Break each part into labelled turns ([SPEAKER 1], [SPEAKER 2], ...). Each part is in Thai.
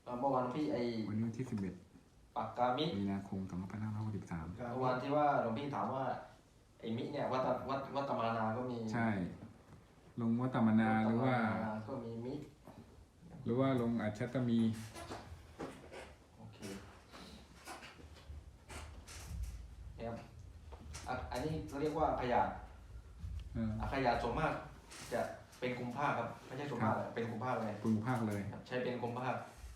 [SPEAKER 1] เมื่อวานพี่
[SPEAKER 2] วันนี้วันที่11
[SPEAKER 1] ปากกามิ
[SPEAKER 2] มีนาคม2563
[SPEAKER 1] เมื่อวานที่ว่าหลวงพี่ถามว่าไอ้มิเนี่ยวัตมานาก็มี
[SPEAKER 2] ใช่ลงวัตตมนาหรือว่า
[SPEAKER 1] ก็มีมิ
[SPEAKER 2] หรือว่าลงอัจฉตมี
[SPEAKER 1] โอเคเนี่ยอันนี้เรียกว่าขยะขยะส่วนมากจะเป็นกุมภาครับไม่ใช่ส่วนมากเป็นกุมภาเลย
[SPEAKER 2] กลุ่มภาคเลย
[SPEAKER 1] ใช้เป็นกุมภา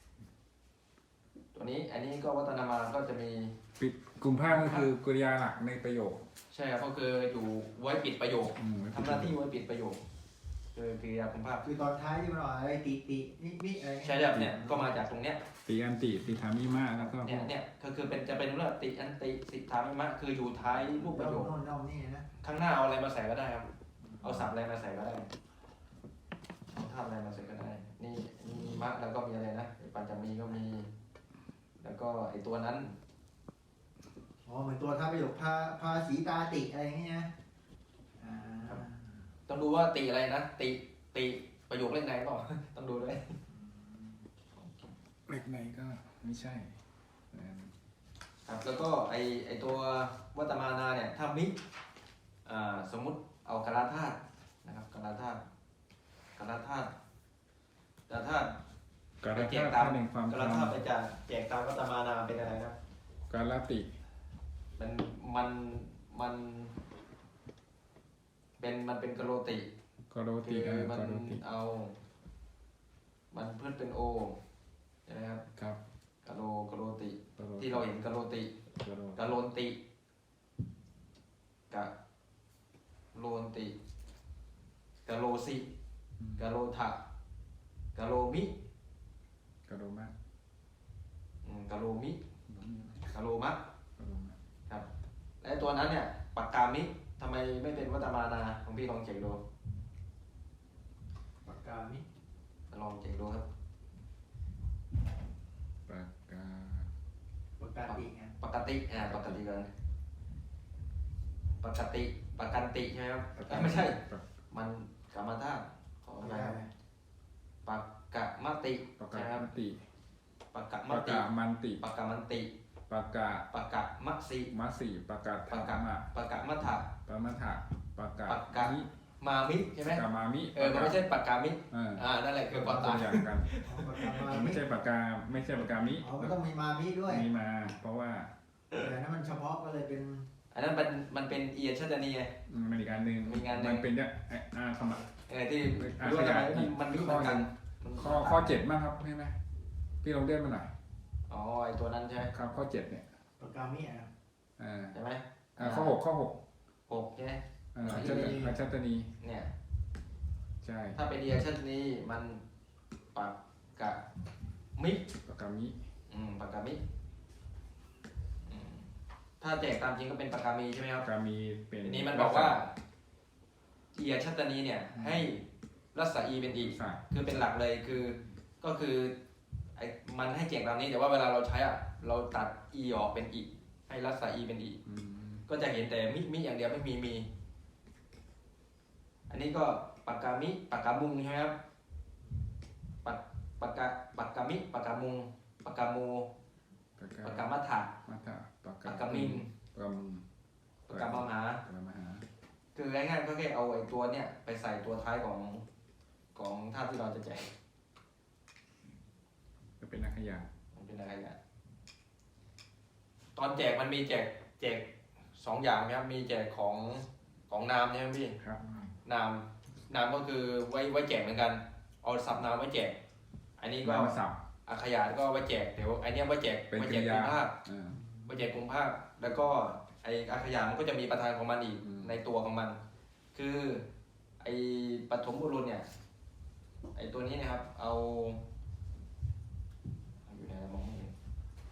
[SPEAKER 1] ตัวนี้อันนี้ก็วัตนามาก็จะมี
[SPEAKER 2] ปิดกลุ่มภาคก็คือกริยาหลักในประโยค
[SPEAKER 1] ใช่ครับก็คืออยู่ไว้ปิดประโยคทำหน้าที่ไว้ปิดประโยคคือกริยากุมภาค
[SPEAKER 3] คือตอนท้ายที่มันออกอะไรติมิอะไร
[SPEAKER 1] ใช่ครับเนี่ยก็มาจากตรงเนี้ย
[SPEAKER 2] ติอันติติธามิมาแล้วก็
[SPEAKER 1] เนี่ยคือเป็นจะเป็นเรื่องติอันติสิทธามิมะคืออยู่ท้ายรูปประโยค
[SPEAKER 3] นี่นะ
[SPEAKER 1] ข้างหน้าเอาอะไรมาใส่ก็ได้ครับเอาศัพท์อะไรมาใส่ก็ได้เอาธาตุอะไรมาใส่ก็ได้นี่มะแล้วก็มีอะไรนะปัญจมีก็มีแล้วก็ไอตัวนั้น
[SPEAKER 3] เหมือนตัวท้ายประโยคภาษีตาติอะไรอย่างเงี้ย
[SPEAKER 1] ต้องดูว่าติอะไรนะติประโยคเลขไหนก็ต้องดูด้วย
[SPEAKER 2] เลขไหนก็ไม่ใช่
[SPEAKER 1] ครับแล้วก็ไอตัววัตมานาเนี่ยถ้ามิสมมุติเอากราธาตุนะครับกราธาตุไปแจกตามกราธาตุไปแจกตามวัตมานาเป็นอะไรนะ
[SPEAKER 2] กาลติ
[SPEAKER 1] มันเป็นกโรติมันเอามันเพื่อนเป็นโอใช่ไหมครับ
[SPEAKER 2] ครับ
[SPEAKER 1] กโรติที่เราเห็นกโรติกโลนติกะโลนติกะโลสิกะโลทะกะโลมิ
[SPEAKER 2] กะโลมะ
[SPEAKER 1] กะโลมิกะโลมะครับและตัวนั้นเนี่ยปากกามิทำไมไม่เป็นวัตมานาของพี่ลองเช็คดู
[SPEAKER 3] ปากกามิ
[SPEAKER 1] ลองเช็คดูครับ
[SPEAKER 3] ปกติไง
[SPEAKER 1] ปกติกันปกกันติใช่ไหมครับไม่ใช่มันกรรมธาตุขออะไรครับปากกะมติใช่ครับปากกะมันติปากกะมัสสิ
[SPEAKER 2] ปากกะ
[SPEAKER 1] ปากกะมัทธะ
[SPEAKER 2] ปากกะ
[SPEAKER 1] มามิใช่ไหม
[SPEAKER 2] กามามิ
[SPEAKER 1] มันไม่ใช่ปากกามินั่นแหละคือปากกา
[SPEAKER 2] อย่างกันไม่ใช่ปากกามิ
[SPEAKER 3] มันต้องมีมามิด้วย
[SPEAKER 2] มีมาเพราะว่า
[SPEAKER 3] แต่นั้นมันเฉพาะก็เลยเป็น
[SPEAKER 1] อันนั้นมันเป็นเอียชัตนีไง
[SPEAKER 2] มันอีกการหนึ่งมันเป็นเนี่ยคำ
[SPEAKER 1] ที่รู้ว่ามันมีเหมือนกัน
[SPEAKER 2] ข้อ7มากครับใช่ไหมพี่ลองเลื่อนมาหน่อย
[SPEAKER 1] ไอตัวนั้นใช่ไหม
[SPEAKER 2] ครับข้อ7เนี่ย
[SPEAKER 3] ปากกามิ
[SPEAKER 1] ใช่ไหม
[SPEAKER 2] ข้อ6
[SPEAKER 1] ใช่ไหม
[SPEAKER 2] อัจฉตนี
[SPEAKER 1] เนี่ย
[SPEAKER 2] ใช่
[SPEAKER 1] ถ้าเป็นเอียชัตนีมันปากกะมิ
[SPEAKER 2] ปากกามิ
[SPEAKER 1] ปากกามิถ้าแจกตามจริงก็เป็นปากกามีใช่ไหมครับ
[SPEAKER 2] ปากกามีเป็น
[SPEAKER 1] ทีนี้มันบอกว่าเอียชัตนีเนี่ยให้รัศอีเป็นอีคือเป็นหลักเลยก็คือมันให้แจกตามนี้แต่ว่าเวลาเราใช้เราตัดอีออกเป็นอีให้รัศอีเป็นอีก็จะเห็นแต่มิอย่างเดียวไม่มีอันนี้ก็ปากกามิปากกามุงใช่ไหมครับปากกามิปากกามุงปากกาโมปากกามัทธะปากกามิงปากกามหาคือง่ายๆก็แค่เอาไอ้ตัวเนี่ยไปใส่ตัวท้ายของธาตุที่เราจะแจก
[SPEAKER 2] จะเป็นนักขยะ
[SPEAKER 1] ตอนแจกมันมีแจก2อย่างนะครับมีแจกของนามใช่ไหมพี่
[SPEAKER 2] ครับ
[SPEAKER 1] นามก็คือไว้แจกเหมือนกันเอาศัพท์นามไว้แจกอันนี้ก็อาขยะก็ไว้แจกเดี๋ยวไอเนี้ยไว้แจกกลุ่มภาคไว้แจกกลุ่มภาคแล้วก็ไออาขยะมันก็จะมีประธานของมันอีกในตัวของมันคือไอปฐมบุรุษเนี่ยไอตัวนี้นะครับเอาอยู่ไหนมองไม่เห็น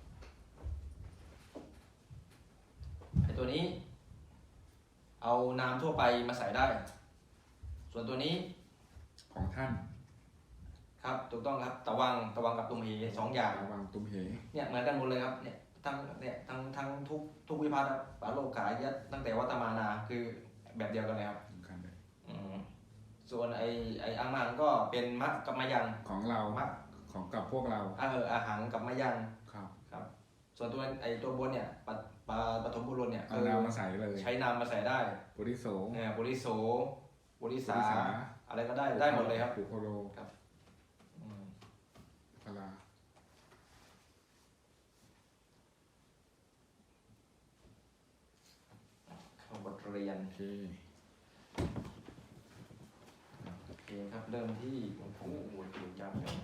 [SPEAKER 1] ไอตัวนี้เอานามทั่วไปมาใส่ได้ส่วนตัวนี้
[SPEAKER 2] ของท่าน
[SPEAKER 1] ครับถูกต้องครับตะวังกับตุมเห2อย่าง
[SPEAKER 2] ตะวังตุมเห
[SPEAKER 1] เนี่ยเหมือนกันหมดเลยครับเนี่ยทั้งทุกวิภัตครับปาโลกายัดตั้งแต่วัตมานาคือแบบเดียวกันเลยครับส่วนไออังมังก็เป็นมะกับมายัง
[SPEAKER 2] ของเรา
[SPEAKER 1] มะ
[SPEAKER 2] ของกับพวกเรา
[SPEAKER 1] อาหังกับมะยัง
[SPEAKER 2] ครับ
[SPEAKER 1] ครับ ส่วนตัวบนเนี่ยปฐมบุรุษเนี่ย
[SPEAKER 2] เอานามมาใส่เลย
[SPEAKER 1] ใช้นามมาใส่ได้
[SPEAKER 2] ปุริโส
[SPEAKER 1] ปุริโสปุริสา
[SPEAKER 2] ปุริสา
[SPEAKER 1] อะไรก็ได้หมดเลยครับ
[SPEAKER 2] ปุโคโร
[SPEAKER 1] อืม
[SPEAKER 2] พลา
[SPEAKER 1] เข้าบทเรียน
[SPEAKER 2] โอเค
[SPEAKER 1] โอเคครับเริ่มที่โอ้โหจริงจังเลย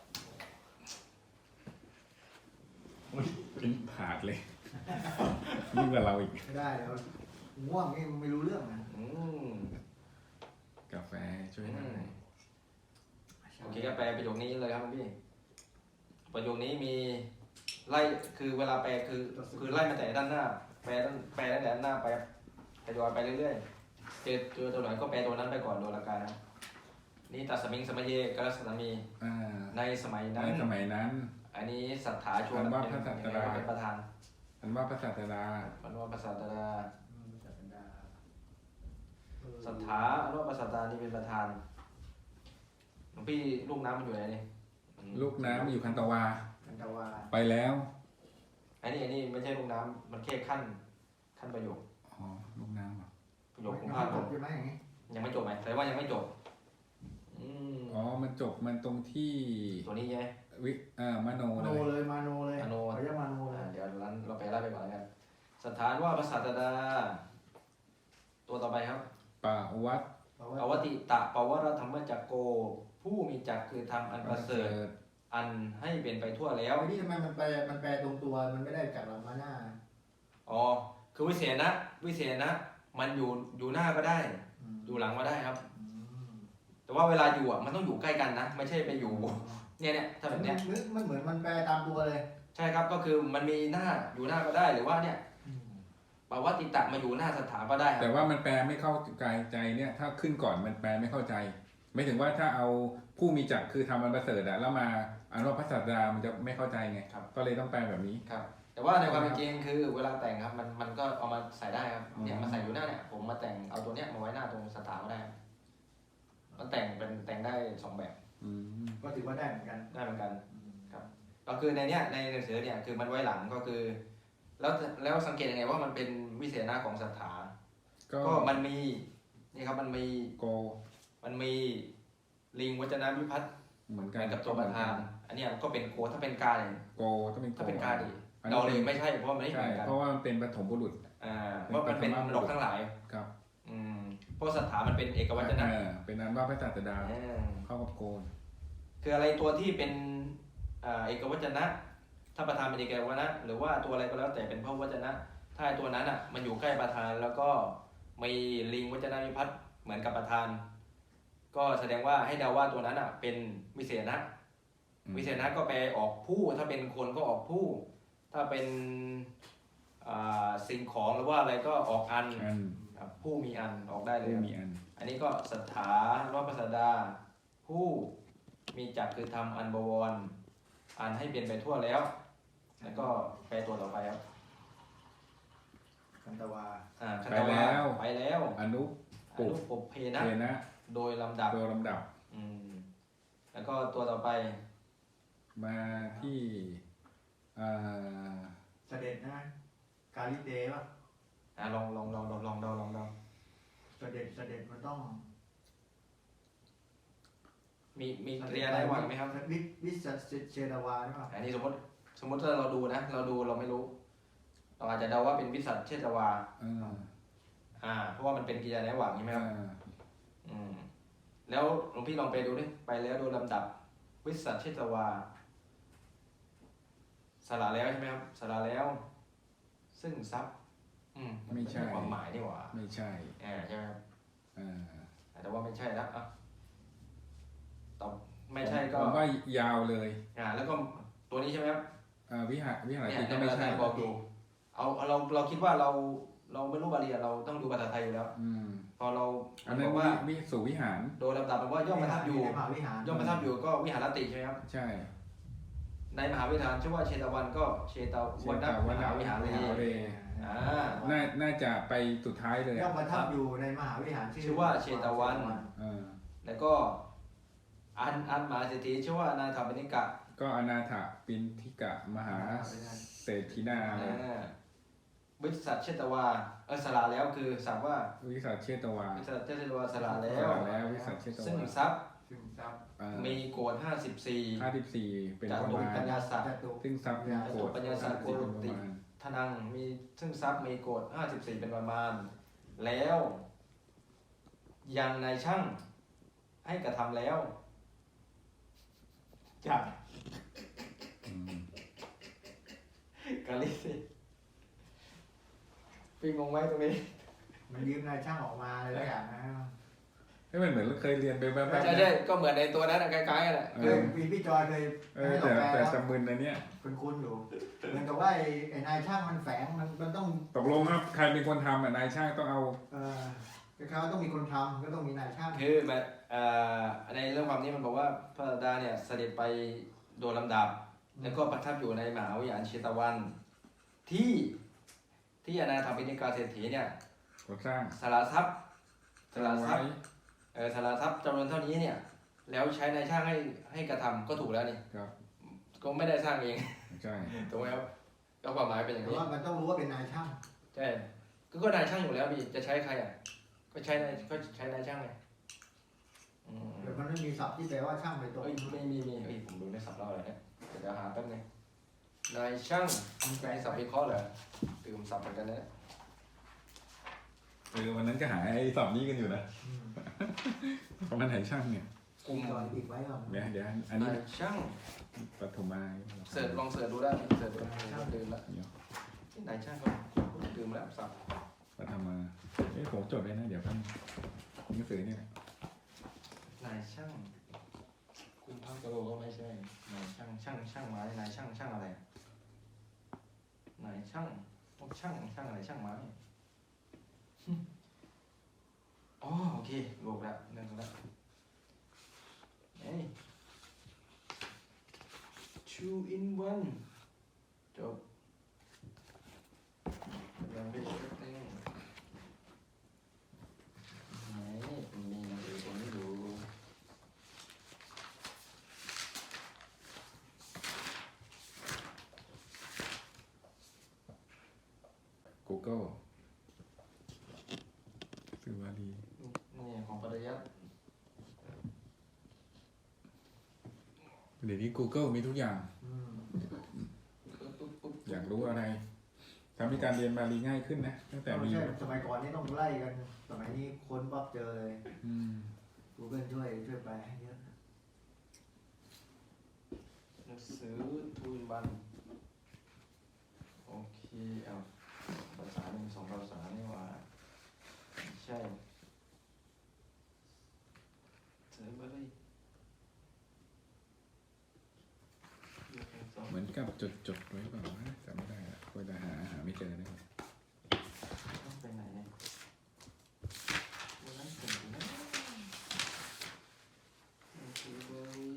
[SPEAKER 2] เป็นผาดเลย ยิ่งกว่าเราอีก
[SPEAKER 3] ไม่ได้แล้วง่วงนี่ไม่รู้เรื่องนะ
[SPEAKER 1] อืม
[SPEAKER 2] กาแฟช่วยหน่อย
[SPEAKER 1] โอเคก็แปลประโยคนี้เลยครับพี่ประโยคนี้มีไล่คือเวลาแปลคือไล่มาแต่ด้านหน้า แปลตั้งแต่ด้านหน้าไปทยอยไปเรื่อยๆเจอตัวไหนก็แปลตัวนั้นไปก่อนโดยหลักการนะนี่ตัดสมิงสมัยเยกัสนามี
[SPEAKER 2] อ่า
[SPEAKER 1] ในสมัย
[SPEAKER 2] ใน
[SPEAKER 1] นั้น
[SPEAKER 2] สมัยนั้น
[SPEAKER 1] อันนี้สัทธาชวน
[SPEAKER 2] อันว่าพระสัตตรา
[SPEAKER 1] เป็นประธาน
[SPEAKER 2] อันว่าพระศาสดา
[SPEAKER 1] อันว่าพระสัตตรา
[SPEAKER 3] จัดบรรดา
[SPEAKER 1] สัทธาอันว่าพระสัตตรานี่เป็นประธานหลวงพี่ลูกน้ำมันอยู่ไหนนี่
[SPEAKER 2] ลูกน้ำอยู่คันตวา
[SPEAKER 3] คันตวา
[SPEAKER 2] ไปแล้ว
[SPEAKER 1] อันนี้ไม่ใช่ลูกน้ำมันแค่ขั้นประโยค
[SPEAKER 2] อ๋อ ลูกน้ำเหรอ
[SPEAKER 1] ประโยคของ
[SPEAKER 3] ยัง
[SPEAKER 1] ภา
[SPEAKER 3] ไม่
[SPEAKER 1] ค
[SPEAKER 3] จบใช่ไหมอย่างนี้
[SPEAKER 1] ยังไม่จบไหมแสดงว่ายังไม่จบอืม
[SPEAKER 2] อ๋อ มันจบมันตรงที่
[SPEAKER 1] ตัวนี้ใช่ไหม
[SPEAKER 2] มโน
[SPEAKER 3] มา
[SPEAKER 2] เล
[SPEAKER 3] โน
[SPEAKER 2] ย
[SPEAKER 3] เลยมาโนเลย
[SPEAKER 1] มาโน
[SPEAKER 3] เขาเรียกมาโนเลย
[SPEAKER 1] เดี๋ยวเราไปไล่ไปก่อนแล้วกันสถานว่าพระสัตดา ตัวต่อไปครับ
[SPEAKER 2] ปะวัด
[SPEAKER 1] อวติตะปวรธรรมจักโก ผู้มีจักคือทำอันประเสริฐอันให้เป็นไปทั่วแล้ว
[SPEAKER 3] นี่ทำไมมันแปลตรงตัวมันไม่ได้จากหลังมาหน้า
[SPEAKER 1] อ๋อคือวิเศษนะมันอยู่หน้าก็ได้ อยู่หลังก็ได้ครับ แต่ว่าเวลาอยู่อ่ะมันต้องอยู่ใกล้กันนะ ไม่ใช่ไปอยู่เนี่ยถ้าแบบเนี้ย
[SPEAKER 3] มันเหมือนมันแปลตามตัวเลย
[SPEAKER 1] ใช่ครับก็คือมันมีหน้าอยู่หน้าก็ได้หรือว่าเนี่ยปวติตะมาอยู่หน้าสถานก็ได้ครับ
[SPEAKER 2] แต่ว่ามันแปลไม่เข้าใจเนี่ย ถ้าขึ้นก่อนมันแปลไม่เข้าใจ ไม่ถึงว่าถ้าเอาผู้มีจักรคือทำอันประเสริฐอะแล้วมาอันว่าพระศาสดามันจะไม่เข้าใจไง
[SPEAKER 1] ครับ
[SPEAKER 2] ก็เลยต้องแปลแบบนี้
[SPEAKER 1] ครับ แต่ว่าในความเป็นจริงคือเวลาแต่งครับมันก็เอามาใส่ได้ครับเนี่ยมาใส่อยู่หน้าเนี่ยผมมาแต่งเอาตัวเนี้ยมาไว้หน้าตรงสถานก็ได้ครับมันแต่งได้สองแบบ
[SPEAKER 2] อืม
[SPEAKER 3] ก็ถือว่าได้เหมือนกัน
[SPEAKER 1] ได้เหมือนกันก็คือในเนี้ยในหนังสือเนี่ยคือมันไว้หลังก็คือ แล้วสังเกตยังไงว่ามันเป็นวิเศษณะของสถาน ก็มันมีนี่ครับมันมี
[SPEAKER 2] โก
[SPEAKER 1] ลิงวัจนาวิพัฒน์
[SPEAKER 2] เหมือน
[SPEAKER 1] เห
[SPEAKER 2] กั
[SPEAKER 1] มื
[SPEAKER 2] น
[SPEAKER 1] อนกับตัวประธาน อันเนี้ยก็เป็นโกถ้าเป็นกาเนี่ย
[SPEAKER 2] โกต้องเป็นโก
[SPEAKER 1] ถ้าเป็นกาดิ
[SPEAKER 2] อัน
[SPEAKER 1] เรา
[SPEAKER 2] นี้
[SPEAKER 1] เลยไม่ใช่เพราะมันไม่เห
[SPEAKER 2] ใช่
[SPEAKER 1] มือนกัน
[SPEAKER 2] เพราะว่ามันเป็นปฐมบุรุษ
[SPEAKER 1] เพราะมันเป็นนกทั้งหลาย
[SPEAKER 2] ครับ
[SPEAKER 1] เพราะสถานมันเป็นเอกวัจนะ
[SPEAKER 2] เป็นอันว่าพระศาสดา
[SPEAKER 1] อ่า
[SPEAKER 2] เข้ากับโกน
[SPEAKER 1] คืออะไรตัวที่เป็นเอกวัจนะถ้าประธานเป็นเอกวัจนะหรือว่าตัวอะไรก็แล้วแต่เป็นพระวัจนะ ถ้าตัวนั้นอ่ะมันอยู่ใกล้ประธานแล้วก็มีลิงวัจนาวิพัฒน์เหมือนกับประธาน ก็แสดงว่าให้เดาว่าตัวนั้นอ่ะเป็นวิเศษณะ วิเศษณะก็แปลออกผู้ถ้าเป็นคนก็ออกผู้ ถ้าเป็นสิ่งของหรือว่าอะไรก็ออกอัน
[SPEAKER 2] อัน
[SPEAKER 1] ครับผู้มีอันออกได้เลย
[SPEAKER 2] ผู้
[SPEAKER 1] ครับ
[SPEAKER 2] มีอัน
[SPEAKER 1] อันนี้ก็สถาว่าปสดา ผู้มีจักรคือทำอันบวรอันให้เปลี่ยนไปทั่วแล้ว แล้วก็แปลตัวต่อไปครับ
[SPEAKER 3] คันตวา
[SPEAKER 1] คันตวาไปแล้ว
[SPEAKER 2] อนุ
[SPEAKER 1] อนุปเพนะ
[SPEAKER 2] เทนะ
[SPEAKER 1] โดยลำดับ
[SPEAKER 2] โดยลำดับ
[SPEAKER 1] แล้วก็ตัวต่อไป
[SPEAKER 2] มาที่อ่า
[SPEAKER 3] เสด็จนะกาลิเตป่ะ
[SPEAKER 1] ลอง
[SPEAKER 3] เสด็จมันต้อง
[SPEAKER 1] มีกริยาได้หวังไหมครับ
[SPEAKER 3] วิสเชดาวาใช่ป่ะ
[SPEAKER 1] อันนี้สมมติถ้าเราดูนะเราไม่รู้ เราอาจจะเดาว่าเป็นวิสัชเชตวา เพราะว่ามันเป็นกิริยาได้หวังใช่ไหมครับแล้วหลวงพี่ลองไปดูดิไปแล้วโดยลำดับวิสัชเชตวาสละแล้วใช่ไหมครับสละแล้ว ซึ่งทรัพย์
[SPEAKER 2] ไม่ใช่
[SPEAKER 1] ความหมายนี่หว่า
[SPEAKER 2] ไม่ใช่
[SPEAKER 1] ใช่ไหมครับ
[SPEAKER 2] อ่า
[SPEAKER 1] แต่ว่าไม่ใช่แล้วตอบไม่ใช่ก็
[SPEAKER 2] ผมว่ายาวเลย
[SPEAKER 1] แล้วก็ตัวนี้ใช่ไหมครับ
[SPEAKER 2] วิหาร
[SPEAKER 1] เนี่ย
[SPEAKER 2] ติก็ไม่ใช่
[SPEAKER 1] บอกอยู่เราคิดว่าเราไม่รู้บาลีเราต้องดูภาษาไทยอยู่แล้วพอเรา
[SPEAKER 2] อันนั้น
[SPEAKER 1] บอกว่า
[SPEAKER 2] วิสุวิหาร
[SPEAKER 1] โดยลำดับมันว่าย่อมประทับอยู่
[SPEAKER 3] ในมหาวิหาร
[SPEAKER 1] ย่อมประทับอยู่ก็วิหารติใช่ไหมครับ
[SPEAKER 2] ใช่
[SPEAKER 1] ในมหาวิหารชื่อว่าเชตวันก็เชตวันนะมหาวิหารเลย
[SPEAKER 2] น่าจะไปสุดท้ายเลย
[SPEAKER 3] ย่อมประทับอยู่ในมหาวิหาร
[SPEAKER 1] ชื่อว่าเชตวัน
[SPEAKER 2] อ่า
[SPEAKER 1] แล้วก็อันมหาเศรษฐีชื่อว่านาถาปนิกะ
[SPEAKER 2] ก็อนาถปินทิกะมหาเศรษฐินา
[SPEAKER 1] บริษัทเชตวาสละแล้วคือสับว่า
[SPEAKER 2] วิสัชเชตวา
[SPEAKER 1] บริษัทเชตวาสละแล้
[SPEAKER 2] ส
[SPEAKER 1] ว
[SPEAKER 2] ละแล้ววิสัชเชต
[SPEAKER 1] ซึ่ง
[SPEAKER 2] วา
[SPEAKER 1] ทรัพย์
[SPEAKER 4] ซึมซับ
[SPEAKER 1] มีโกรธ54
[SPEAKER 2] 54เป็น
[SPEAKER 1] จา
[SPEAKER 2] ประ
[SPEAKER 1] ตุ
[SPEAKER 2] มาณ
[SPEAKER 1] ปัญญาสัตว์
[SPEAKER 3] จตุ
[SPEAKER 2] ซึ่งทรัพย์มีโกรธ
[SPEAKER 1] ปัญญาสัตว์
[SPEAKER 2] 54เป็นประมาณ
[SPEAKER 1] ทนังมีซึ่งทรัพย์มีโกรธ54เป็นประมาณ แล้ว ยังนายช่างให้กระทำแล้วจาก
[SPEAKER 2] อืม
[SPEAKER 1] กาลิสิพี่งงไหมตรงนี้
[SPEAKER 3] มันยืมนายช่างออกมาเลยแล้วอย่างนะ
[SPEAKER 2] ให้มันเหมือนเราเคยเรียนไปแบบๆ
[SPEAKER 1] ใช่ใช่ก็เหมือนในตัวนั้นอะคล้ายๆกันแหละ
[SPEAKER 3] เคยพี่จอยเคยให้เรา
[SPEAKER 2] แต่
[SPEAKER 3] แปล
[SPEAKER 2] แต่
[SPEAKER 3] แล้ว
[SPEAKER 2] จำมึนนะเนี่ย
[SPEAKER 3] คุ้นๆอยู่เหมือนกับว่าไอ้นายช่างมันแฝงมันต้อง
[SPEAKER 2] ตกลงว่าใครเป็นคนทำอ่ะนายช่างต้องเอา
[SPEAKER 3] คล้ายๆว่าต้องมีคนทำก็ต้องมีนายช่าง
[SPEAKER 1] คือแบบในเรื่องความนี้มันบอกว่าพระดาเนี่ยเสด็จไปโดยลำดับ แล้วก็ประทับอยู่ในมหาวิหารเชตวัน ที่อนาถปิณกาเศรษฐีเนี่ย
[SPEAKER 2] ก่อสร้าง
[SPEAKER 1] สละทรัพย์สละทรั
[SPEAKER 2] ไว้
[SPEAKER 1] พย์สละทรัพย์จำนวนเท่านี้เนี่ย แล้วใช้นายช่างให้กระทำก็ถูกแล้วนี่
[SPEAKER 2] ครับ
[SPEAKER 1] ก็ไม่ได้สร้างเอง
[SPEAKER 2] ใช่
[SPEAKER 1] ถูกไหมครับก็ความหมายเป็นอย่าง
[SPEAKER 3] แต่
[SPEAKER 1] นี้
[SPEAKER 3] ว่ามันต้องรู้ว่าเป็นนายช่าง
[SPEAKER 1] ใช่ก็นายช่างอยู่แล้วพี่จะใช้ใครอ่ะก็ใช้นายช่างไงอืม
[SPEAKER 3] แต่มันไม่มีศัพท์ที่แปลว่าช่างไปตรง
[SPEAKER 1] เอ้ยมีเอ้ยผมดูในสับเล่าอะไรเนี่ยเดี๋ยวหาแป๊บนึงนายช่างมีสับวิเคราะห์เหรอตื่มสับเหมือนกันนะ
[SPEAKER 2] วันนั้นก็หาไอ้สอบนี้กันอยู่นะ
[SPEAKER 3] อืม
[SPEAKER 2] เพราะมันไหนช่างเนี่ย
[SPEAKER 1] กลุ่ม
[SPEAKER 3] จอยติดไว้ก่อน
[SPEAKER 2] เดี๋ยวอันนี้
[SPEAKER 1] นายช่าง
[SPEAKER 2] ปฐมมา
[SPEAKER 1] ลองเสิร์ชดูได้เสิร์ชดูดื่มละ
[SPEAKER 2] เดี๋ยว
[SPEAKER 1] ที่นายช่างก็ดื่มแล้วสับ
[SPEAKER 2] ปฐมมาผมจดเลยนะเดี๋ยวพันหนังสือนี่แหละ
[SPEAKER 1] นายช่างคุณพักกะโลก็ไม่ใช่นายช่างไม้นายช่างอะไรนายช่างพวกช่างอะไรช่างไม้อ๋อโอเคโลกแล้วเรื่องแล้วเฮ้ย two in one จบยังไม่จบเลยไหนมีหนังสือผมไม่ดู
[SPEAKER 2] Google สื่อวารี
[SPEAKER 1] นี่ของปริยัติ
[SPEAKER 2] เดี๋ยวนี้ Google มีทุกอย่าง
[SPEAKER 3] อืม
[SPEAKER 1] ปุ๊บ
[SPEAKER 2] อยากรู้อะไรทำให้การเรียนบาลีง่ายขึ้นนะตั้งแต่
[SPEAKER 3] ไม่
[SPEAKER 2] มี
[SPEAKER 3] ใช่สมัยก่อนนี่ต้องไล่กัน สมัยนี้ค้นปั๊บเจอเลย
[SPEAKER 2] อืม
[SPEAKER 3] Google ช่วยแปลให้เยอะ
[SPEAKER 1] หนังสือทูนบันโอเคเอาภาษาหนึ่งสองภาษานี่ว่าใช่เสิร์ชไปเลย
[SPEAKER 2] เหมือนกับจดไว้เปล่าวะจำไม่ได้ละก็จะหาไม่เจอเลย
[SPEAKER 1] ต้องไปไหนเนี่ยวันนั้นถึงนะโอเคเลย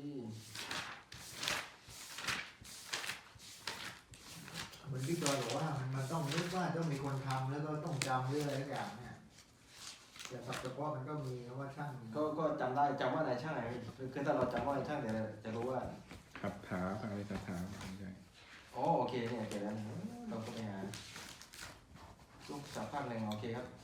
[SPEAKER 3] เหมือนพี่จอยบอกว่ามันต้องนึกว่าต้องมีคนทำแล้วก็ต้องจำเรื่องอะไรทุกอย่างเนี่ยแต่ศัพท์เฉพาะมันก็มีนะว่าช่าง
[SPEAKER 1] ก็จำได้จำว่านายช่างไหนคือถ้าเราจำว่านายช่างเดี๋ยวจะรู้ว่า
[SPEAKER 2] ขับถาอะไรคาถาไม่ใช่
[SPEAKER 1] อ๋อโอเคเนี่ยเกิดแล้วเราก็ไปหาลูกสาวภาคหนึ่งโอเคครับ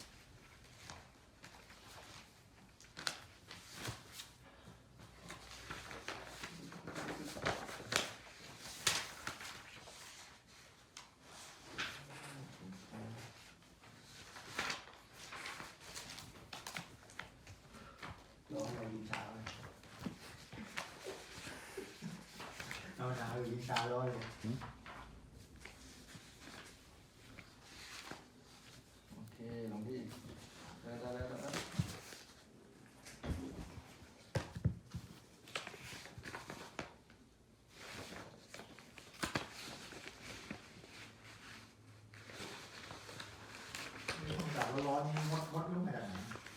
[SPEAKER 3] ร้องมายิงชาเลยเอาหนาวอยู่ยิงชาร้อยเลย
[SPEAKER 1] โอเคหลวงพี่ได้
[SPEAKER 3] ต้องจับร้อนๆมดลูกขนาดไหน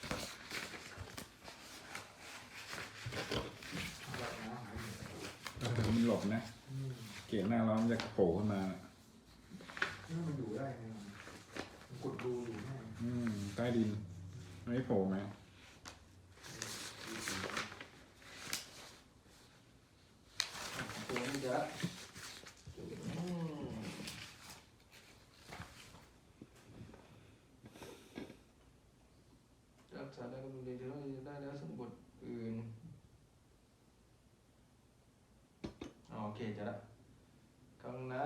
[SPEAKER 3] เอาแบบน้ำหายหมด
[SPEAKER 2] มันหลบนะ
[SPEAKER 3] อืม
[SPEAKER 2] เกียร์หน้าร้อนมันจะโผล่ขึ้นมา
[SPEAKER 3] นี่มันอยู่ได้ไงมันกดดูอยู่แน่
[SPEAKER 2] ใต้ดินไม่โผล่ไหม
[SPEAKER 1] ตัวเดี๋ยวรักษาได้ก็ดูดีที่เราได้แล้วสมบูรณ์อื่นโอเคจะละครั้งนั้น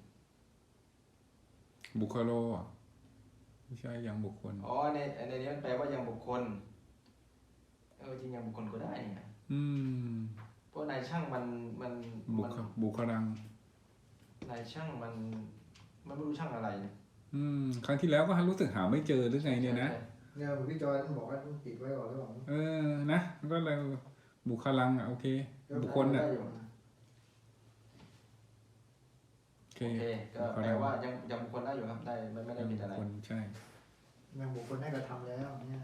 [SPEAKER 2] บุคโลอ่ะไม่ใช่ยังบุคคล
[SPEAKER 1] อ๋อในนี้มันแปลว่ายังบุคคลจริงยังบุคคลก็ได้นี่นะเพราะนายช่างมัน
[SPEAKER 2] บุคลัง
[SPEAKER 1] นายช่างมันไม่รู้ช่างอะไรนะ
[SPEAKER 2] ครั้งที่แล้วก็รู้สึกหาไม่เจอหรือไงเนี่ยนะ
[SPEAKER 3] เนี่ยพี่จอยต้องบอกว่าต้องติดไว้ก่อนหรือเปล่า
[SPEAKER 2] นะมันก็เลยบุคลังโอเคบุคคลน่ะโอเค
[SPEAKER 1] ก็แปลว่ายังบุคคลได้อยู่ครับได้ไม่ได้ผิดอะไร
[SPEAKER 2] ใช่
[SPEAKER 3] ยังบุคคลได้กระทำแล้วเนี่ย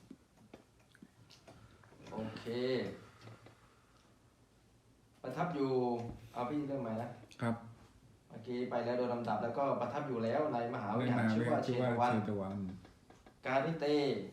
[SPEAKER 1] โอเคประทับอยู่เอาพี่เริ่มใหม่นะครับเมื่อกี้ไปแล้วโดยลำดับแล้วก็ประทับอยู่แล้วในมหาวิหารชื่อว่าเชตวันการิเต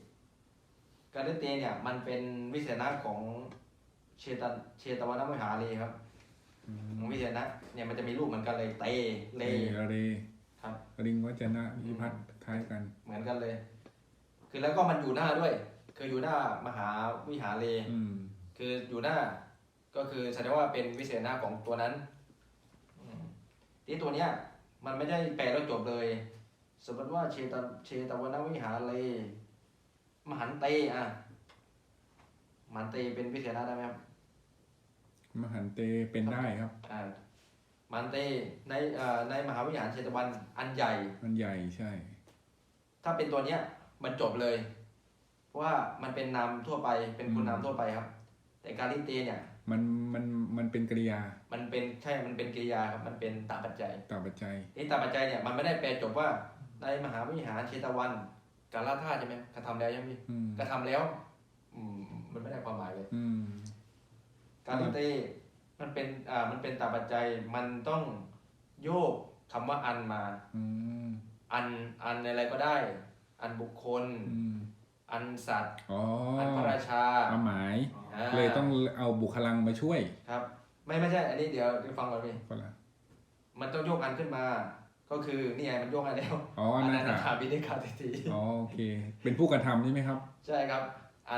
[SPEAKER 1] เนี่ยมันเป็นวิเศษณะของเชตวนมหาลีครับวิเศษณะเนี่ยมันจะมีรูปเหมือนกันเลยเตเลครับ
[SPEAKER 2] ริงวัจนะวิพัฒน์คล้ายกัน
[SPEAKER 1] เหมือนกันเลยคือแล้วก็มันอยู่หน้าด้วยคืออยู่หน้ามหาวิหารเลคืออยู่หน้าก็คือแสดงว่าเป็นวิเศษณะของตัวนั้นที่ตัวเนี้ยมันไม่ได้แปลแล้วจบเลยสมมติว่าเชตวนวิหารเลมหันเตมหันเตเป็นวิเศษณะได้ไหมครับ
[SPEAKER 2] มหันเตเป็นได้ครับ
[SPEAKER 1] มหันเตในมหาวิหารเชตวันอันใหญ่
[SPEAKER 2] ใช่
[SPEAKER 1] ถ้าเป็นตัวเนี้ยมันจบเลยเพราะว่ามันเป็นนามทั่วไปเป็นคุณนามทั่วไปครับแต่การิเตเนี่ย
[SPEAKER 2] มันเป็นกริยา
[SPEAKER 1] มันเป็นกริยาครับมันเป็นตาปัจจัยนี่ตาปัจจัยเนี่ยมันไม่ได้แปลจบว่าในมหาวิหารเชตวันกาลธาตุใช่ไหมกระทำแล้วใช่ไหมกระทำแล้วมันไม่ได้ความหมายเลยการิเตมันเป็นตาปัจจัยมันต้องโยกคำว่าอันมาอันอะไรก็ได้อันบุคคลอันสัตว์อันพระราชา
[SPEAKER 2] ความหมายเลยต้องเอาบุคลังมาช่วย
[SPEAKER 1] ครับไม่ใช่อันนี้เดี๋ยวฟังก่อนพี่มันต้องโยกอันขึ้นมาก็คือนี่ไงมันโยกอันแล้ว
[SPEAKER 2] อนัน
[SPEAKER 1] ทาบิณิกาเศรษฐี
[SPEAKER 2] โอเคเป็นผู้กระทำใช่ไหมครับ
[SPEAKER 1] ใช่ครับอ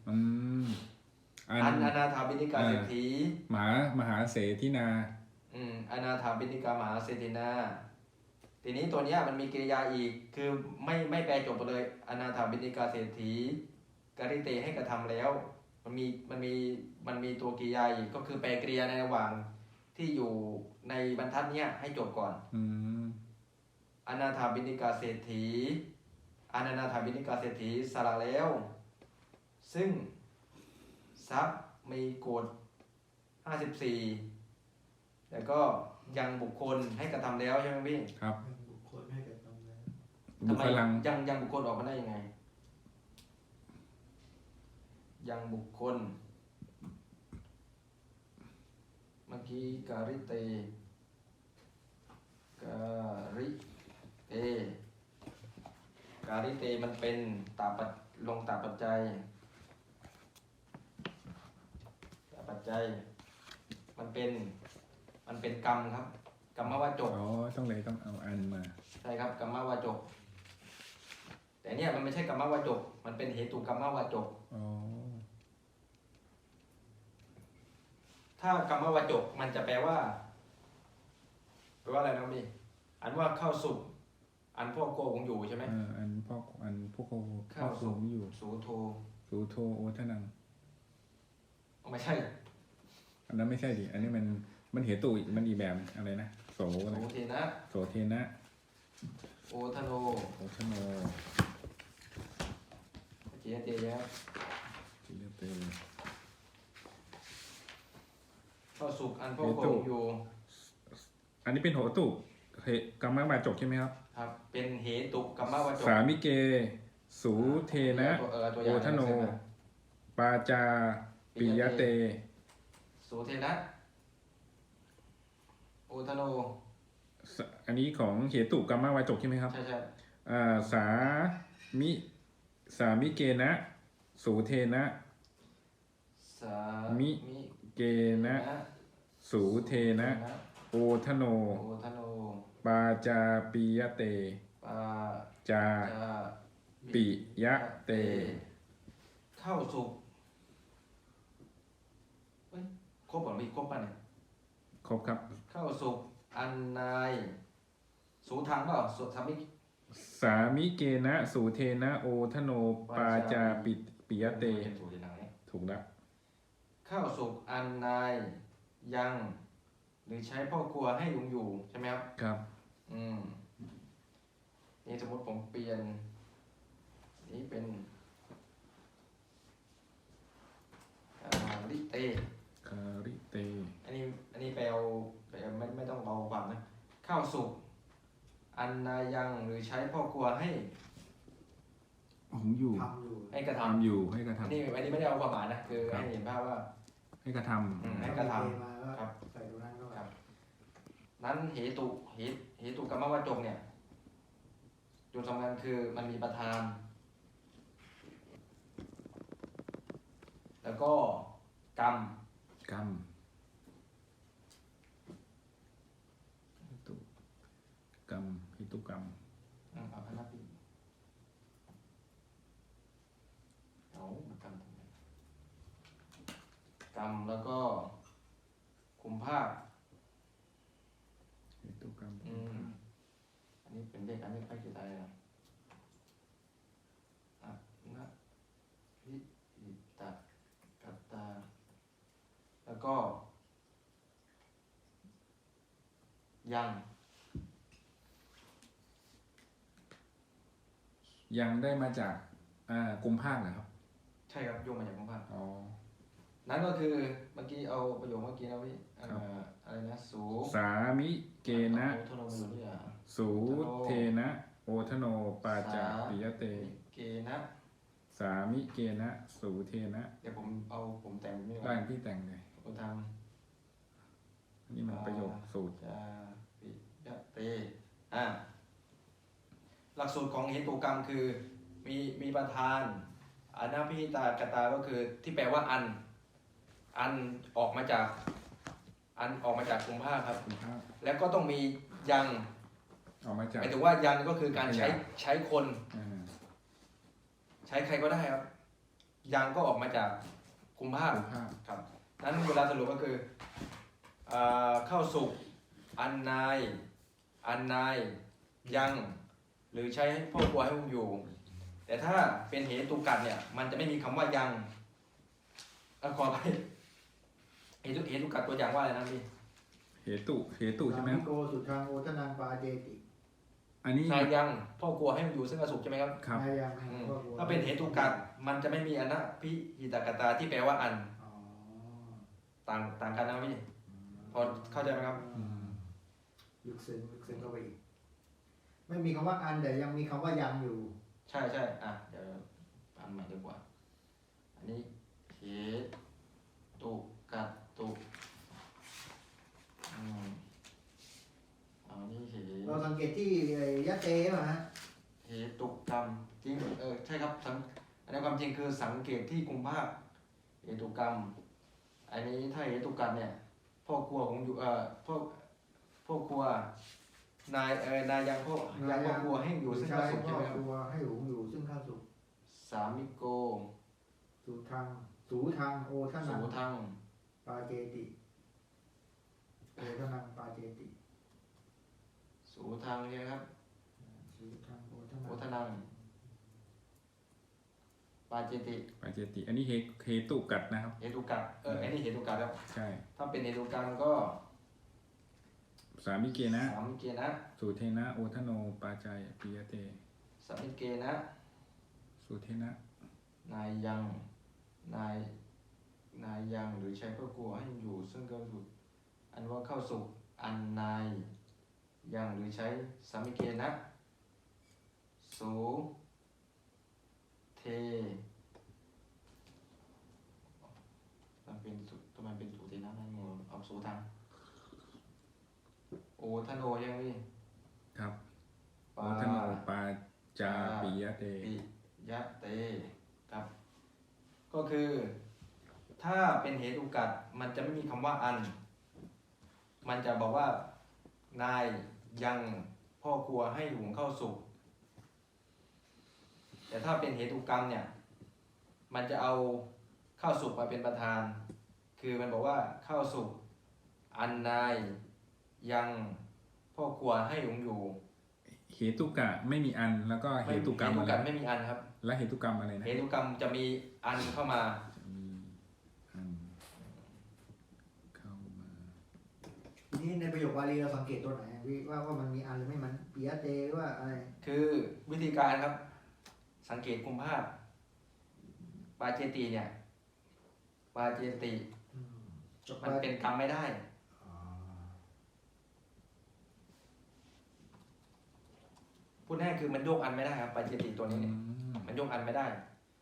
[SPEAKER 1] นาถาบิณิกาเศรษฐี
[SPEAKER 2] มหาเสถินา
[SPEAKER 1] อนาถาบิณิกามหาเศรษฐีนาทีนี้ตัวนี้มันมีกริยาอีกคือไม่แปลจบไปเลยอนาถาบิณิกาเศรษฐีการิเตให้กระทำแล้วมันมีตัวกริยาอีกก็คือแปลกริยาในระหว่างที่อยู่ในบรรทัดเนี้ยให้จบก่อนอนาถาบิณิกาเศรษฐีอนาถาบิณิกาเศรษฐีสละแล้วซึ่งทรัพย์มีกฎ54แล้วก็ยังบุคคลให้กระทำแล้วใช่ไหมพี่
[SPEAKER 2] ครับ
[SPEAKER 3] บุคคลให้กระทำแล้ว
[SPEAKER 1] ทำไมยังบุคคลออกมาได้ยังไงยังบุคคลเมื่อกี้การิเตมันเป็นลงตาปัจจัยมันเป็นกรรมครับกรรมวาจก
[SPEAKER 2] ต้องเอาอันมา
[SPEAKER 1] ใช่ครับกรรมวาจกแต่เนี่ยมันไม่ใช่กรรมวาจกมันเป็นเหตุกรรมวาจกถ้ากรรมวาจกมันจะแปลว่าอะไรนะพี่อันว่าเข้าสุขอันพวกโกงอยู่ใช่ไหม
[SPEAKER 2] อันพวกเข้าสุขอยู่
[SPEAKER 1] สูโท
[SPEAKER 2] โอทนัง
[SPEAKER 1] ไม่ใช่
[SPEAKER 2] อันนั้นไม่ใช่ดิอันนี้มันเหตุมันอีแบบอะไรนะโส
[SPEAKER 1] เทนะโอทโนเจียเตียเข้าสุขอันพวกโกงอยู่
[SPEAKER 2] อันนี้เป็นโหตุกรรมวาจกใช่ไหมครับ
[SPEAKER 1] ครับเป็นเหตุกรรมวาจก
[SPEAKER 2] สามิเกสูเทนะโอทโนปาจาปิยเต
[SPEAKER 1] สูเทนะโอทโน
[SPEAKER 2] อันนี้ของเหตุกรรมวาจกใช่ไหมครับ
[SPEAKER 1] ใช่
[SPEAKER 2] สามิเกนะสูเทนะ
[SPEAKER 1] สา
[SPEAKER 2] มิเกนะสูเทนะโอทโน
[SPEAKER 1] โอทโน
[SPEAKER 2] ปาจาปิยเต
[SPEAKER 1] ปา
[SPEAKER 2] จา
[SPEAKER 1] จา
[SPEAKER 2] ปิยะเต
[SPEAKER 1] เข้าสุขเฮ้ยครบหรือไม่ครบป่ะเนี่ย
[SPEAKER 2] ครบครับ
[SPEAKER 1] เข้าสุขอันนายสูทางเปล่าสุทามิ
[SPEAKER 2] สามิเกนะสูเทนะโอทโน ปาจาปิยะเต
[SPEAKER 1] ถูกที่ไหน
[SPEAKER 2] ถูกแล้ว
[SPEAKER 1] เข้าสุขอันนายยัง หรือใช้พ่อครัวให้ลุงอยู่ใช่ไหมครับ
[SPEAKER 2] ครับ
[SPEAKER 1] นี่สมมติผมเปลี่ยน นี่เป็นลิเต
[SPEAKER 2] คาริเต
[SPEAKER 1] อันนี้ไปเอาไม่ต้องเอาความนะข้าวสุกอันนายังหรือใช้พ่อครัวให้
[SPEAKER 2] ผมอยู่
[SPEAKER 3] ทำอยู่
[SPEAKER 1] ให้กระท
[SPEAKER 2] ทำอยู่ให้กระ
[SPEAKER 1] ำอัน
[SPEAKER 2] ทำ
[SPEAKER 1] นี้ไม่ได้เอาความหมายนะคือให้เห็นภาพว่า
[SPEAKER 2] ให้กระท
[SPEAKER 1] ให้กระท
[SPEAKER 3] มาก็
[SPEAKER 1] ครับ
[SPEAKER 3] ใส่ตรงนั้นก็
[SPEAKER 1] ครับ นั้นเหตุกรรมวจกเนี่ยจุดสำคัญคือมันมีประธาน แล้วก็กรรม
[SPEAKER 2] ำกรรมหิตุกรรมหิตุกรรม
[SPEAKER 1] เอาพนักพิงเอากรรมกรรมแล้วก็คุมภาพ
[SPEAKER 2] หิตุกรรม
[SPEAKER 1] อันนี้เป็นเลขอันนี้ค่อยเขียนอะไรนะอะนะวิอิตะกัตตา แล้วก็ ยัง
[SPEAKER 2] ยังได้มาจากกุมภาคเหรอครับ
[SPEAKER 1] ใช่ครับโยงมาจากคุมภาพ
[SPEAKER 2] อ๋อ
[SPEAKER 1] นั่นก็คือเมื่อกี้เอาประโยคเมื่อกี้นะพี่อะไรนะสู
[SPEAKER 2] สามิเกนะ
[SPEAKER 1] โอโทโนมาอยู่นี่อ่ะ
[SPEAKER 2] สูเทนะโอทโน ปาจาปิยะเต
[SPEAKER 1] เกนะ
[SPEAKER 2] สามิเกนะสูเทนะ
[SPEAKER 1] เดี๋ยวผมแต่งไม่
[SPEAKER 2] ร่างที่แต่งเลย
[SPEAKER 1] โอทาง
[SPEAKER 2] นี่มันประโยคสูตร
[SPEAKER 1] จาปิยะเตหลักสูตรของเหตุกรรมคือมีประธานอนาพิหิตากตาก็คือที่แปลว่าอันออกมาจากกุมภาครับ
[SPEAKER 2] กุมภาค
[SPEAKER 1] แล้วก็ต้องมียัง
[SPEAKER 2] ออกมาจาก
[SPEAKER 1] หมายถึงว่ายังก็คือการใช้คน
[SPEAKER 2] อ่า
[SPEAKER 1] ใช้ใครก็ได้ครับ ยังก็ออกมาจากกุมภา
[SPEAKER 2] กุมภาค
[SPEAKER 1] ครับนั้นเวลาสรุปก็คือเข้าสุกอันนายยัง หรือใช้พ่อครัวให้ผมอยู่ แต่ถ้าเป็นเหตุกัดเนี่ย มันจะไม่มีคำว่ายังขอไปเหตุกัดตัวอย่างว่าอะไรนะพี่
[SPEAKER 2] เหตุใช่ไหม
[SPEAKER 3] โกสุทางโอทนังปาเจติ
[SPEAKER 2] อันนี้
[SPEAKER 1] นายยังพ่อครัวให้อยู่ซึ่งอสุขใช่ไหมครับ
[SPEAKER 2] ครับ
[SPEAKER 3] นายัง
[SPEAKER 1] ถ้าเป็นเหตุกัดมันจะไม่มีอนะพิหิตากตาที่แปลว่าอัน
[SPEAKER 3] อ๋อ
[SPEAKER 1] ต่างกันนะพี่พอเข้าใจไหมครับ
[SPEAKER 3] ลึกซึ้งเข้าไปอีกไม่มีคำว่าอันแต่ยังมีคำว่ายังอยู่
[SPEAKER 1] ใช่เดี๋ยวอันใหม่ดีกว่า อันนี้เหตุกัดตุอันนี้
[SPEAKER 3] เราสังเกตที่ยะเตป่ะฮะ
[SPEAKER 1] เหตุกรรมจริงใช่ครับอันนี้ความจริงคือสังเกตที่กุมภาคเหตุกรรม อันนี้ถ้าเหตุกัดเนี่ยพ่อครัวของอยู่พ่อครัวนายยังพ่อครัวให้อยู่ซึ่งข้าสุขใช่ไหมครับ
[SPEAKER 3] ครัวให้หุงอยู่ซึ่งข้าวสุก
[SPEAKER 1] สามิโก
[SPEAKER 3] สูทางโอทนั
[SPEAKER 1] สู
[SPEAKER 3] ง
[SPEAKER 1] ทัง
[SPEAKER 3] ปาเจติโอทนังปาเจติ
[SPEAKER 1] สูทังใช่ไหมครับ
[SPEAKER 3] สูทางโอท
[SPEAKER 1] โอ
[SPEAKER 3] นัง
[SPEAKER 1] ทนังปาเจติ
[SPEAKER 2] ปาเจติ อันนี้เหตุกัดนะครับ
[SPEAKER 1] เหตุกัดอันนี้เหตุกัดครับ
[SPEAKER 2] ใช่
[SPEAKER 1] ถ้าเป็นเหตุกัดก็
[SPEAKER 2] สามิเกนะ
[SPEAKER 1] สามิเกนะ
[SPEAKER 2] สูเทนะโอทโน ปาจายปิยะเต
[SPEAKER 1] สามิเกนะ
[SPEAKER 2] สูเทนะ
[SPEAKER 1] นายยังหรือใช้พ่อครัวให้อยู่ซึ่งก็สุดอันว่าเข้าสุกอันนายยังหรือใช้สามิเกนะสูเทมันเป็นสูทำไมเป็นสูเทนะนั่นงงเอาสูทางโอทโนยังพี่
[SPEAKER 2] ครับ
[SPEAKER 1] ปา
[SPEAKER 2] โอทโน ปาจาปิยะเต
[SPEAKER 1] ปิยะเตครับ ก็คือ ถ้าเป็นเหตุกัดมันจะไม่มีคำว่าอันมันจะบอกว่านายยังพ่อครัวให้หุงข้าวสุกแต่ถ้าเป็นเหตุกรรมเนี่ยมันจะเอาข้าวสุกมาเป็นประธาน คือมันบอกว่าข้าวสุกอันนายยังพ่อครัวให้หุงอยู่
[SPEAKER 2] เหตุกะไม่มีอันแล้วก็เหตุกรรมอะไร
[SPEAKER 1] ไม่มีอันครับ
[SPEAKER 2] และเหตุกรรมอะไรนะ
[SPEAKER 1] เหตุกรรมจะมีอันเข้ามา
[SPEAKER 2] อันเข้ามา
[SPEAKER 3] นี่ในประโยคบาลีเราสังเกตตัวไหนว่ามันมีอันหรือไม่มันปิยะเตหรือว่าอะไร
[SPEAKER 1] คือวิธีการครับสังเกตกุมภาพปาเจติเนี่ยปาเจติมันเป็นกรรมไม่ได้พูดง่ายคือมันโยกอันไม่ได้ครับปาเจติตัวนี้เนี่ยมันโยกอันไม่ได้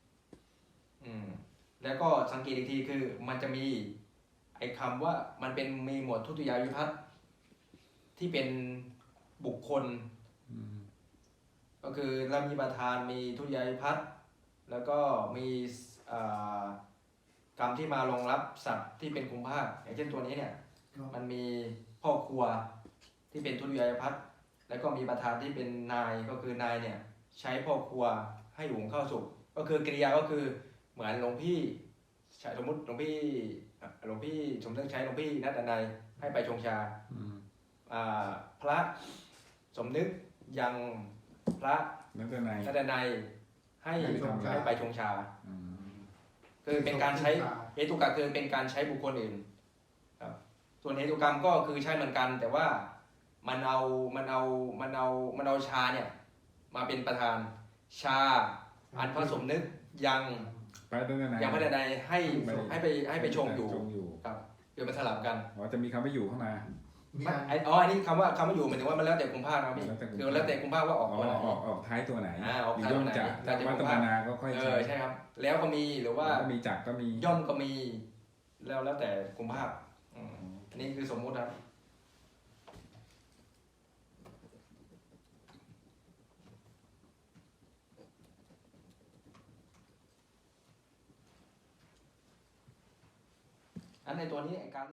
[SPEAKER 1] แล้วก็สังเกตอีกทีคือมันจะมีไอ้คำว่ามันเป็นมีหมวดทุติยาวิภัตติที่เป็นบุคคลก็คือเรามีประธานมีทุติยาวิภัตติแล้วก็มีกรรมที่มารองรับสัตว์ที่เป็นกุมภาพอย่างเช่นตัวนี้เนี่ยมันมีพ่อครัวที่เป็นทุติยาวิภัตติแล้วก็มีประธานที่เป็นนายก็คือนายเนี่ยใช้พ่อครัวให้หุงข้าวสุกก็คือกริยาก็คือเหมือนหลวงพี่สมมติหลวงพี่สมนึกใช้หลวงพี่นัดนายให้ไปชงชาพระสมนึกยังพระนัดนายให้ไปชงชาคือเป็นการใช้เหตุกรรมคือเป็นการใช้บุคคลอื่นครับส่วนเหตุกรรมก็คือใช้เหมือนกันแต่ว่ามันเอาชาเนี่ยมาเป็นประธานชาอันพระสมนึกยังพระใดให้ไปชงอยู่ครับคือมันสลับกัน
[SPEAKER 2] จะมีคำว่าอยู่เข้ามา
[SPEAKER 1] อันนี้คำว่าอยู่หมายถึงว่ามันแล้วแต่กุมภาพันธ์นะพี่คือแล้วแต่กุมภาพันธ์ว่าออกตัวไหน
[SPEAKER 2] ออกท้ายตัวไหน
[SPEAKER 1] ออกท้ายตัวไหน
[SPEAKER 2] แต่ว่าตนาก็ค่อย
[SPEAKER 1] ใช่ครับแล้วก็มีหรือว่า
[SPEAKER 2] มีจักก็มี
[SPEAKER 1] ย่อมก็มีแล้วแต่กุมภาพันธ์อันนี้คือสมมุติครับอันในตัวนี้การ